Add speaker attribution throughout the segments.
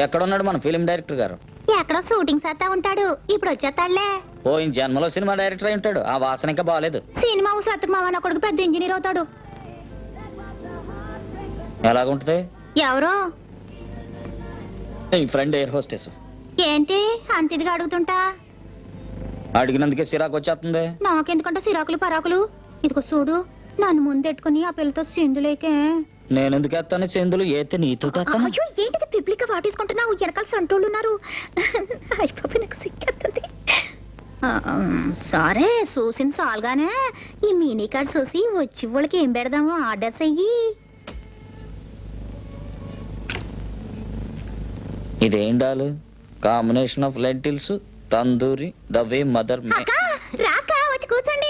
Speaker 1: ఎక్కడ ఉన్నాడు మన ఫిలిం డైరెక్టర్ గారు?
Speaker 2: ఎక్కడో షూటింగ్ చేస్తా ఉంటాడు, ఇప్పుడు వచ్చేస్తాడులే.
Speaker 1: పోయిన జన్మలో సినిమా డైరెక్టర్ అయి ఉంటాడు. ఆ వాసన ఇంకా బాగాలేదు.
Speaker 2: సినిమా సత్తుకు మావ నా కొడుకు పెద్ద ఇంజనీర్ అవుతాడు.
Speaker 1: ఎలాగుంటది?
Speaker 2: ఎవరు?
Speaker 1: ఈ ఫ్రెండ్ ఎయిర్ హోస్టెస్.
Speaker 2: ఏంటి అంత ఇదిగా అడుగుతుంటా?
Speaker 1: అడిగినందుకే సిరాకు వచ్చేస్తుంది.
Speaker 2: నాకెందుకంటే సిరాకులు పరాకులు. ఇదిగో చూడు, నన్ను ముందెట్టుకుని ఆ పిల్లతో సింధులేకే.
Speaker 1: నేనెందుకు ఎత్తాను సింధులు? ఏతే నీతో
Speaker 2: అయ్యో ఏంటిది పిప్లిక వాటేసుకుంటున్నావు? వెనకాల సంటోళ్ళు ఉన్నారు. అయిపోయి నాకు సిక్కేస్తుంది. సరే చూసిన సాల్గానే ఈ మినీ కార్డ్ చూసి వచ్చి వాళ్ళకి ఏం పెడదాము ఆర్డర్స్ అయ్యి.
Speaker 1: ఇదేం డాలు? Combination of lentils, tandoori, the way mother.
Speaker 2: రాక వచ్చి కూర్చోండి.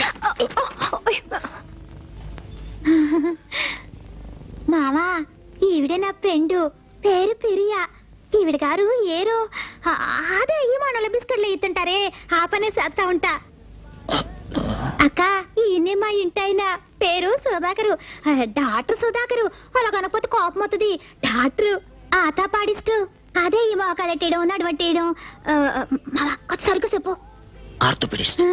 Speaker 2: మావా ఈవిడే నా పెండు, పేరు పిరియా. ఈవిడ గారు ఏరో అదే ఈ మనల బిస్కెట్లు ఇస్తుంటారే, ఆ పనే చేస్తా ఉంటా. అక్క ఈయనే మా ఇంటైనా, పేరు సుధాకరు, డాక్టర్ సుధాకరు. అలా కనకపోతే కోపం అవుతుంది. డాక్టరు ఆతా పాడిస్టు. అదే ఈ మోకాలెట్టేయడం, నడవట్టేయడం. సరిగ్గా చెప్పు.
Speaker 1: ఆర్థోపెడిస్ట్.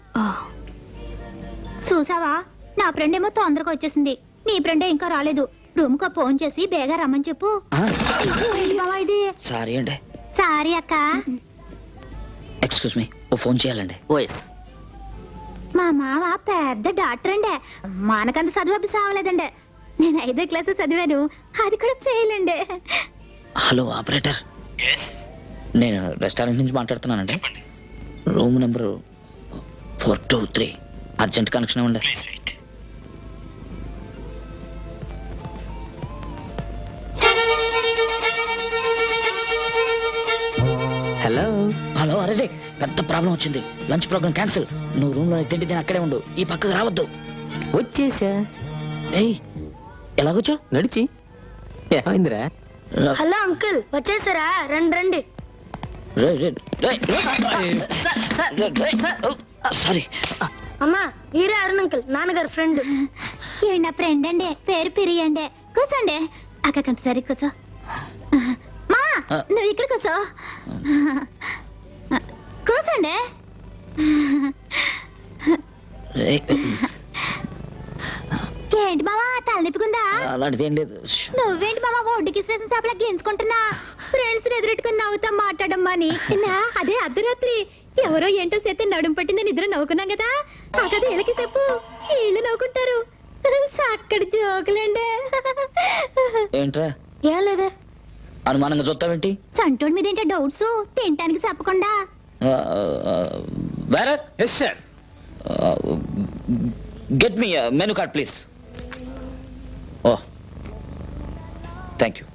Speaker 2: చూసావా, నా ఫ్రెండ్ ఏమో తొందరగా వచ్చేసింది, నీ ఫ్రెండే ఇంకా రాలేదు. రూమ్ కు ఫోన్ చేసి బేగా రమ్మని చెప్పు. ఇది
Speaker 1: సారీ అండి.
Speaker 2: సారీ అక్క.
Speaker 1: ఎక్స్క్యూజ్ మీ, ఓ ఫోన్ చేయాలండి. ఓఎస్.
Speaker 2: మా మామ పెద్ద డాక్టర్ అండే, మనకంత చదువు సావలేదండే. నేను 5వ క్లాస్ చదివాను, అది కూడా ఫెయిల్ అండే.
Speaker 1: Hello operator. నేను రెస్టారెంట్ నుంచి మాట్లాడుతున్నానండి. Room number 423. అర్జెంట్ కనెక్షన్ ఇవ్వండి.
Speaker 3: Hello
Speaker 1: hello. అరే పెద్ద ప్రాబ్లం వచ్చింది. Lunch program cancel. నువ్వు రూమ్ లో తిండి నేను అక్కడే ఉండు, ఈ పక్కకు రావద్దు.
Speaker 3: వచ్చేసా.
Speaker 1: ఏయ్ ఎలాగొచ్చా?
Speaker 3: నడిచి. ఏమైందిరా?
Speaker 2: హలో అంకుల్, వచ్చేసారా? రండి రండి.
Speaker 1: సారీ
Speaker 2: అమ్మా, వీరే అరుణ్ అంకుల్, నాన్నగారు ఫ్రెండ్. ఇవి నా ఫ్రెండ్ అండి, పేరు పిరియండి. కూర్చోండి అక్క, కొంత సరి కూర్చో. మా నువ్వు ఇక్కడ కూర్చో. కూర్చోండి. ఏంటి బావా తలనిప్పుకుందా?
Speaker 1: అలాంటిది ఏం లేదు.
Speaker 2: నువ్వేంటి బావా ఒడ్డుకి స్టేషన్ చేపలా గెంచుకుంటున్నా? ఫ్రెండ్స్ ఎదురెట్టుకుని నవ్వుతా మాట్లాడమ్మని. అదే అర్ధరాత్రి ఎవరో ఏంటో చేస్తే నడుము పట్టిందని నిద్ర నవ్వుకున్నాం కదా, ఆ కథ వీళ్ళకి చెప్పు, వీళ్ళు నవ్వుకుంటారు. అక్కడ జోకులండి.
Speaker 1: ఏంట్రా?
Speaker 2: ఏం లేదే.
Speaker 1: అనుమానంగా చూస్తావేంటి?
Speaker 2: సంటోడి మీద ఏంటో డౌట్స్, తినటానికి చెప్పకుండా.
Speaker 1: Yes sir. Get me menu card please. Oh thank you.